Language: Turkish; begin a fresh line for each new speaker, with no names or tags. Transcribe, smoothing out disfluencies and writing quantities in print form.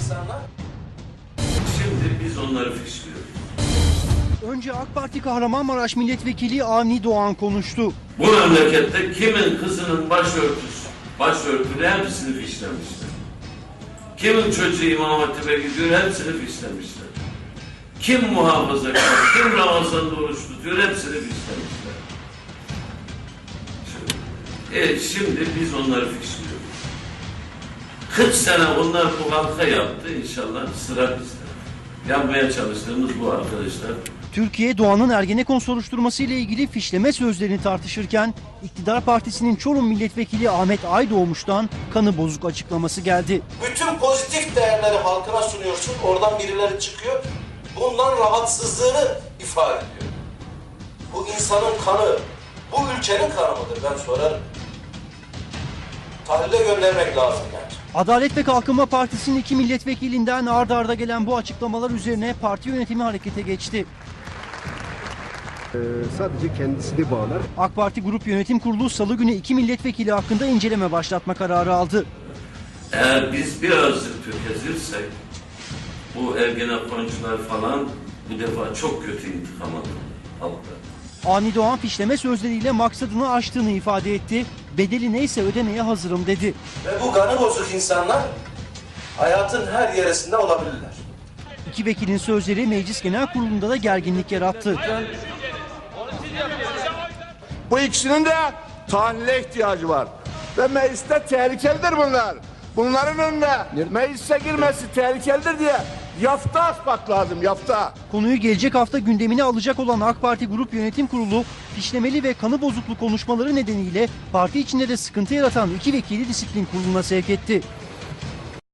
insanlar.
Şimdi biz onları fişliyoruz.
Önce AK Parti Kahramanmaraş Milletvekili Avni Doğan konuştu.
Bu memlekette kimin kızının başörtülü hepsini fişlemişler. Kimin çocuğu İmam Hatip'e gidiyor hepsini fişlemişler. Kim muhafazakar, kim Ramazan'da oruç tutuyor hepsini fişlemişler. Şimdi biz onları fişliyoruz. 40 sene onlar bu halka yaptı, inşallah sıra bizde. Yapmaya çalıştığımız bu arkadaşlar.
Türkiye Doğan'ın Ergenekon soruşturması ile ilgili fişleme sözlerini tartışırken iktidar partisinin Çorum Milletvekili Ahmet Aydoğmuş'tan kanı bozuk açıklaması geldi.
Bütün pozitif değerleri halkına sunuyorsun, oradan birileri çıkıyor. Bundan rahatsızlığını ifade ediyor. Bu insanın kanı, bu ülkenin kanı mıdır ben sorarım. Tahlile göndermek lazım yani.
Adalet ve Kalkınma Partisi'nin 2 milletvekilinden ard arda gelen bu açıklamalar üzerine parti yönetimi harekete geçti.
Sadece kendisini bağlar.
AK Parti Grup Yönetim Kurulu Salı günü 2 milletvekili hakkında inceleme başlatma kararı aldı.
Eğer biz birazcık tökezirsek bu Ergenekoncular falan bu defa çok kötü intikam alır halkta.
Avni Doğan fişleme sözleriyle maksadını aştığını ifade etti. Bedeli neyse ödemeye hazırım dedi.
Ve bu kanı bozuk insanlar hayatın her yerisinde olabilirler.
İki vekilin sözleri Meclis Genel Kurulu'nda da gerginlik yarattı.
Bu ikisinin de tahlile ihtiyacı var. Ve mecliste tehlikelidir bunlar. Bunların önüne meclise girmesi tehlikelidir diye yafta asmak lazım, yafta.
Konuyu gelecek hafta gündemine alacak olan AK Parti Grup Yönetim Kurulu, fişlemeli ve kanı bozuklu konuşmaları nedeniyle parti içinde de sıkıntı yaratan 2 vekili disiplin kuruluna sevk etti.